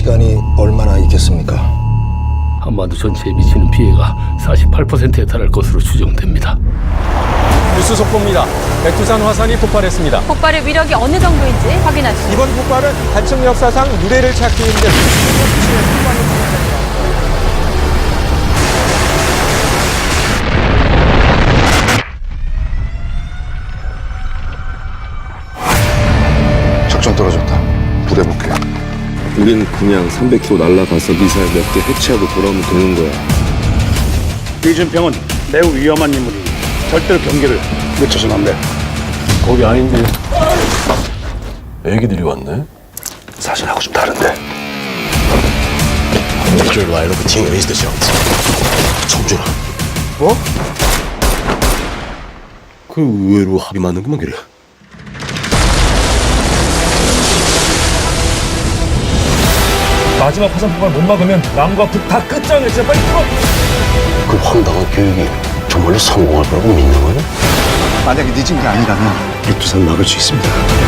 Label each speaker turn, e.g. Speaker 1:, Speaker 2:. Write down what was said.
Speaker 1: 시간이 얼마나 있겠습니까?
Speaker 2: 한반도 전체에 미치는 피해가 48%에 달할 것으로 추정됩니다.
Speaker 3: 뉴스 속보입니다. 백두산 화산이 폭발했습니다.
Speaker 4: 폭발의 위력이 어느 정도인지 확인하시죠.
Speaker 3: 이번 폭발은 한층 역사상 유례를 찾기 힘든
Speaker 1: 작전 떨어졌다. 부대 복귀.
Speaker 5: 우린 그냥 300km 날아가서 미사일 몇 개 해체하고 돌아오면 되는 거야.
Speaker 6: 이준평은 매우 위험한 인물이니 절대로 경계를 늦춰서는 안 돼.
Speaker 5: 거기 아닌데. 애기들이 왔네? 사진하고 좀 다른데.
Speaker 7: Major line of team is the shots.
Speaker 5: 청준아.
Speaker 7: 뭐?
Speaker 5: 그 의외로 합이 맞는구만 그래.
Speaker 6: 마지막 화산 폭발 못 막으면 남과 북 다 끝장내. 진짜 빨리 풀어.
Speaker 7: 그 황당한 교육이 정말로 성공할 거라고 믿는 거야?
Speaker 1: 만약에 늦은 게 아니라면
Speaker 7: 백두산 막을 수 있습니다.